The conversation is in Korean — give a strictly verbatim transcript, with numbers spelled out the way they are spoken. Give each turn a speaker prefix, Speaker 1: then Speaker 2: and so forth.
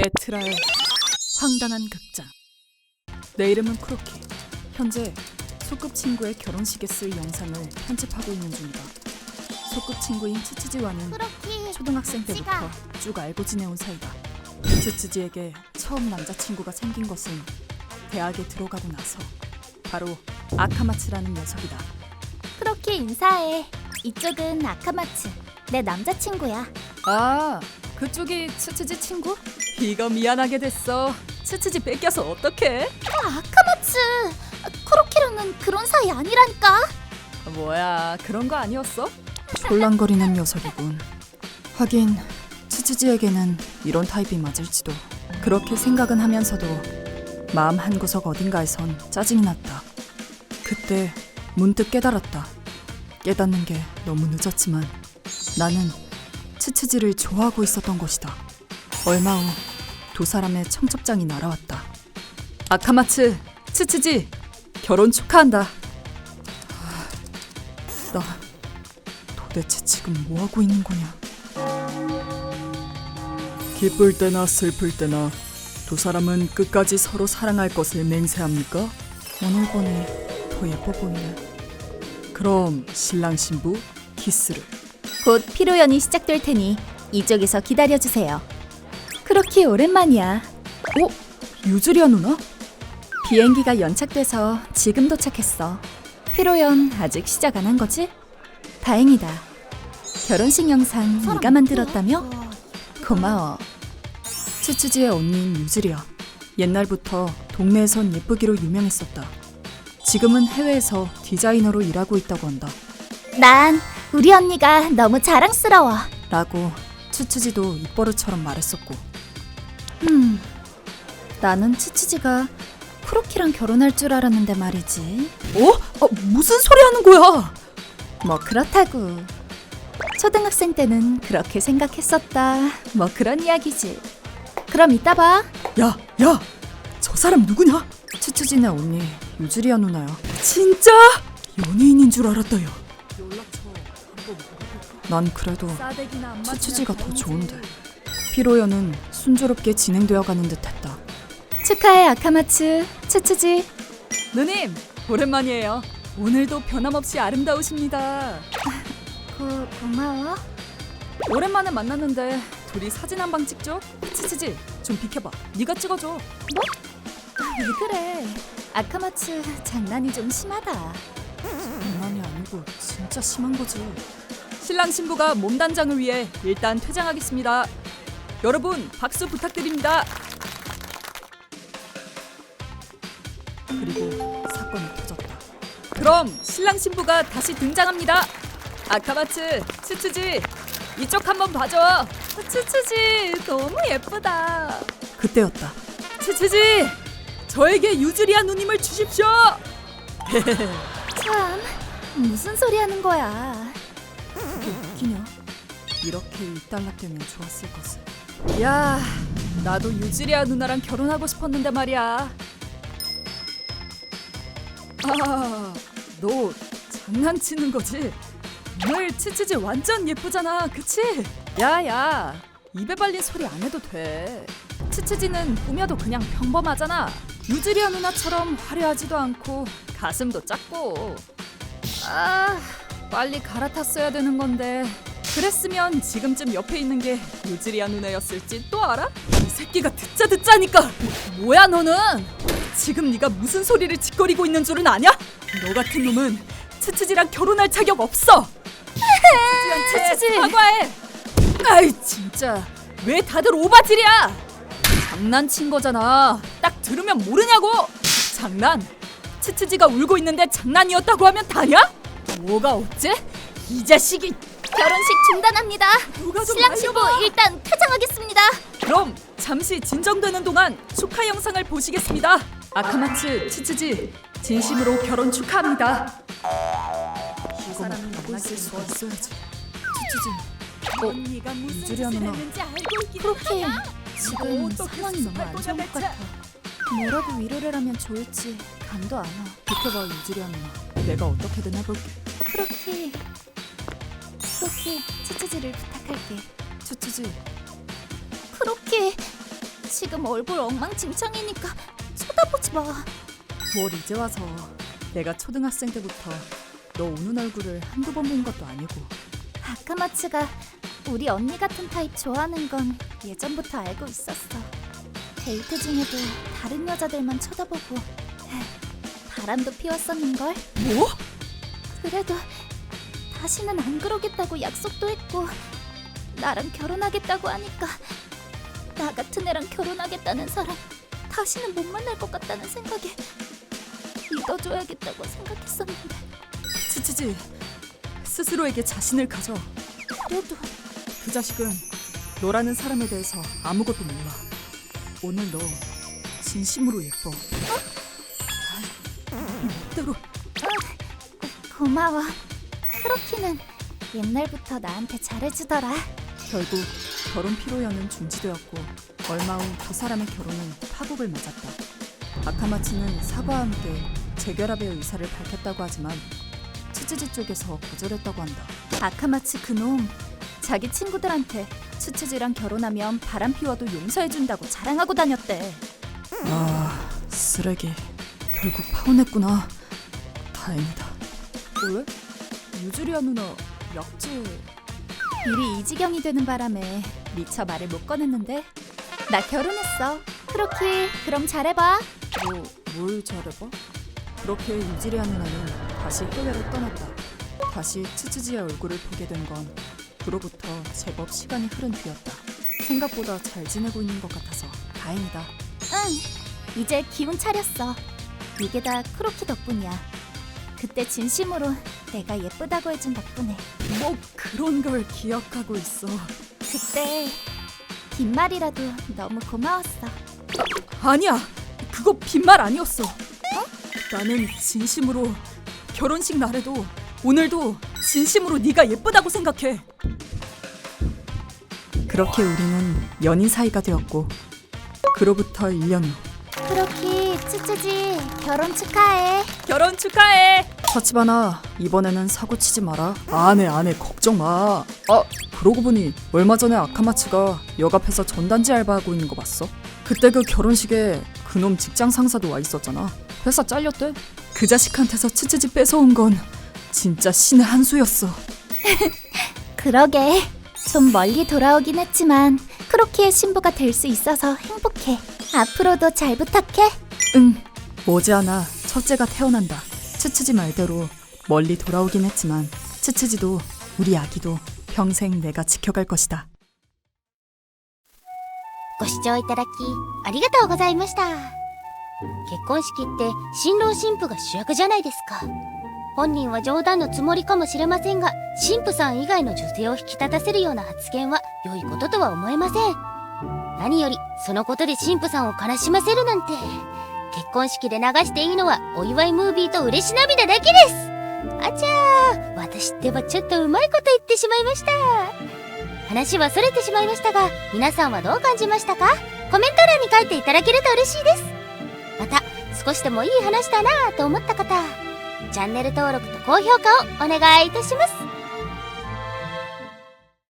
Speaker 1: 에트라의 황당한 극장. 내 이름은 크로키. 현재 소꿉친구의 결혼식에 쓸 영상을 편집하고 있는 중이다. 소꿉친구인 츠츠지와는
Speaker 2: 크로키,
Speaker 1: 초등학생 때부터
Speaker 2: 지가.
Speaker 1: 쭉 알고 지내온 사이다. 츠츠지에게 처음 남자친구가 생긴 것은 대학에 들어가고 나서 바로 아카마츠라는 녀석이다.
Speaker 2: 크로키 인사해. 이쪽은 아카마츠, 내 남자친구야.
Speaker 1: 아, 그쪽이 츠츠지 친구? 이거 미안하게 됐어. 츠츠지 뺏겨서 어떡해?
Speaker 2: 아카마츠, 크로키랑은 그런 사이 아니라니까.
Speaker 1: 뭐야, 그런 거 아니었어? 촐랑거리는 녀석이군. 하긴 츠츠지에게는 이런 타입이 맞을지도. 그렇게 생각은 하면서도 마음 한구석 어딘가에선 짜증이 났다. 그때 문득 깨달았다. 깨닫는 게 너무 늦었지만 나는 츠츠지를 좋아하고 있었던 것이다. 얼마 후 두 사람의 청첩장이 날아왔다. 아카마츠, 츠츠지, 결혼 축하한다. 하, 나 도대체 지금 뭐하고 있는 거냐. 기쁠 때나 슬플 때나 두 사람은 끝까지 서로 사랑할 것을 맹세합니까? 오늘 보니 더 예뻐 보이네. 그럼 신랑 신부 키스를.
Speaker 2: 곧 피로연이 시작될 테니 이쪽에서 기다려주세요. 크로키 오랜만이야.
Speaker 1: 어? 유즈리아 누나?
Speaker 2: 비행기가 연착돼서 지금 도착했어. 피로연 아직 시작 안 한 거지? 다행이다. 결혼식 영상 네가 만들었다며? 고마워.
Speaker 1: 츠츠지의 언니인 유즈리아. 옛날부터 동네에선 예쁘기로 유명했었다. 지금은 해외에서 디자이너로 일하고 있다고 한다.
Speaker 2: 난 우리 언니가 너무 자랑스러워.
Speaker 1: 라고 츠츠지도 입버릇처럼 말했었고.
Speaker 2: 음, 나는 츠츠지가 크로키랑 결혼할 줄 알았는데 말이지.
Speaker 1: 어? 아, 무슨 소리 하는 거야?
Speaker 2: 뭐 그렇다고. 초등학생 때는 그렇게 생각했었다. 뭐 그런 이야기지. 그럼 이따 봐.
Speaker 1: 야, 야! 저 사람 누구냐? 츠츠지네 언니 유즈리아 누나야. 진짜? 연예인인 줄 알았다. 야. 난 그래도 츠츠지가 더 좋은데. 피로연은 순조롭게 진행되어 가는 듯했다.
Speaker 2: 축하해 아카마츠, 츠츠지.
Speaker 1: 누님, 오랜만이에요. 오늘도 변함없이 아름다우십니다.
Speaker 2: 고, 고마워.
Speaker 1: 오랜만에 만났는데 둘이 사진 한 방 찍죠? 츠츠지, 좀 비켜봐. 네가 찍어줘.
Speaker 2: 뭐? 왜 그래? 아카마츠 장난이 좀 심하다.
Speaker 1: 장난이 아니고 진짜 심한 거지. 신랑 신부가 몸단장을 위해 일단 퇴장하겠습니다. 여러분 박수 부탁드립니다. 그리고 사건이 터졌다. 그럼 신랑 신부가 다시 등장합니다. 아카마츠, 츠츠지, 이쪽 한번 봐줘. 츠츠지 너무 예쁘다. 그때였다. 츠츠지, 저에게 유즈리아 누님을 주십시오.
Speaker 2: 참, 무슨 소리 하는 거야.
Speaker 1: 그게 웃기냐? 이렇게 일단락되면 좋았을 것을. 야, 나도 유즈리아 누나랑 결혼하고 싶었는데 말이야. 아, 너 장난치는 거지? 오늘 츠츠지 완전 예쁘잖아, 그치? 야야, 입에 발린 소리 안 해도 돼. 츠츠지는 꾸며도 그냥 평범하잖아. 유즈리아 누나처럼 화려하지도 않고 가슴도 작고. 아, 빨리 갈아탔어야 되는 건데. 그랬으면 지금쯤 옆에 있는 게 유즈리아 누나였을지 또 알아? 이 새끼가 듣자 듣자니까. 뭐, 뭐야 너는? 지금 네가 무슨 소리를 짓거리고 있는 줄은 아냐? 너 같은 놈은 츠츠지랑 결혼할 자격 없어. 츠츠지랑 츠츠지 사과해. 아이 진짜 왜 다들 오바질이야? 장난친 거잖아. 딱 들으면 모르냐고. 장난? 츠츠지가 울고 있는데 장난이었다고 하면 다냐? 뭐가 어째? 이 자식이.
Speaker 2: 결혼식 중단합니다.
Speaker 1: 누가 좀
Speaker 2: 신랑 신부
Speaker 1: 알려봐.
Speaker 2: 일단 퇴장하겠습니다.
Speaker 1: 그럼 잠시 진정되는 동안 축하 영상을 보시겠습니다. 아카마츠, 츠츠지, 진심으로 결혼 축하합니다. 이거 만나고 있을 수가 있어야지. 츠츠지, 어? 유즈리아 누나.
Speaker 2: 크로키, 지금
Speaker 1: 어떻게
Speaker 2: 상황이 너무 안 좋은 것 같아. 뭐라고 위로를 하면 좋을지 감도 안 와.
Speaker 1: 비켜봐 유즈리아 누나. 내가 어떻게든 해볼게.
Speaker 2: 크로키, 크로키, 츠츠지를 부탁할게.
Speaker 1: 츠츠지,
Speaker 2: 크로키, 지금 얼굴 엉망진창이니까 쳐다보지 마.
Speaker 1: 뭘 이제 와서. 내가 초등학생 때부터 너 우는 얼굴을 한두 번 본 것도 아니고.
Speaker 2: 아카마츠가 우리 언니 같은 타입 좋아하는 건 예전부터 알고 있었어. 데이트 중에도 다른 여자들만 쳐다보고 바람도 피웠었는걸.
Speaker 1: 뭐?
Speaker 2: 그래도 다시는 안 그러겠다고 약속도 했고 나랑 결혼하겠다고 하니까 나 같은 애랑 결혼하겠다는 사람 다시는 못 만날 것 같다는 생각에 믿어줘야겠다고 생각했었는데
Speaker 1: 치치지, 스스로에게 자신을 가져.
Speaker 2: 그래도
Speaker 1: 그 자식은 너라는 사람에 대해서 아무것도 몰라. 오늘 너 진심으로 예뻐. 어? 멋대로.
Speaker 2: 고, 고마워. 크로키는 옛날부터 나한테 잘해주더라.
Speaker 1: 결국 결혼 피로연은 중지되었고 얼마 후 두 사람의 결혼은 파국을 맞았다. 아카마츠는 사과와 함께 재결합의 의사를 밝혔다고 하지만 츠츠지 쪽에서 거절했다고 한다.
Speaker 2: 아카마츠 그놈 자기 친구들한테 츠츠지랑 결혼하면 바람 피워도 용서해준다고 자랑하고 다녔대.
Speaker 1: 아, 쓰레기. 결국 파혼했구나. 다행이다. 왜? 유주리아 누나 약재...
Speaker 2: 일이 이 지경이 되는 바람에 미처 말을 못 꺼냈는데 나 결혼했어. 크로키 그럼 잘해봐.
Speaker 1: 뭐, 뭘 잘해봐? 그렇게 유지리아 누나는 다시 해외로 떠났다. 다시 츠츠지의 얼굴을 보게 된 건 그로부터 제법 시간이 흐른 뒤였다. 생각보다 잘 지내고 있는 것 같아서 다행이다.
Speaker 2: 응, 이제 기운 차렸어. 이게 다 크로키 덕분이야. 그때 진심으로 내가 예쁘다고 해준 덕분에.
Speaker 1: 뭐 그런 걸 기억하고 있어.
Speaker 2: 그때 빈말이라도 너무 고마웠어.
Speaker 1: 아니야, 그거 빈말 아니었어. 어? 나는 진심으로 결혼식 날에도 오늘도 진심으로 네가 예쁘다고 생각해. 그렇게 우리는 연인 사이가 되었고 그로부터 일 년 후.
Speaker 2: 크로키 츠츠지 결혼 축하해.
Speaker 1: 결혼 축하해. 사치바나, 이번에는 사고 치지 마라. 안해 안해, 걱정 마. 아, 그러고 보니 얼마 전에 아카마츠가 역 앞에서 전단지 알바하고 있는 거 봤어? 그때 그 결혼식에 그놈 직장 상사도 와 있었잖아. 회사 잘렸대. 그 자식한테서 츠츠지 뺏어온 건 진짜 신의 한 수였어.
Speaker 2: 그러게 좀 멀리 돌아오긴 했지만 크로키의 신부가 될 수 있어서 행복해. 앞으로도 잘 부탁해.
Speaker 1: 응, 머지않아 첫째가 태어난다. 츠츠지 말대로 멀리 돌아오긴 했지만 츠츠지도 우리 아기도 평생 내가 지켜갈 것이다.
Speaker 3: ご視聴いただきありがとうございました。結婚式って新郎新婦が主役じゃないですか。本人は冗談のつもりかもしれませんが、新婦さん以外の女性を引き立たせるような発言は良いこととは思えません。何よりそのことで新婦さんを悲しませるなんて、結婚式で流していいのはお祝いムービーと嬉し涙だけです。あちゃー、私ってばちょっとうまいこと言ってしまいました。話はそれてしまいましたが、皆さんはどう感じましたか？コメント欄に書いていただけると嬉しいです。また少しでもいい話だなぁと思った方、チャンネル登録と高評価をお願いいたします。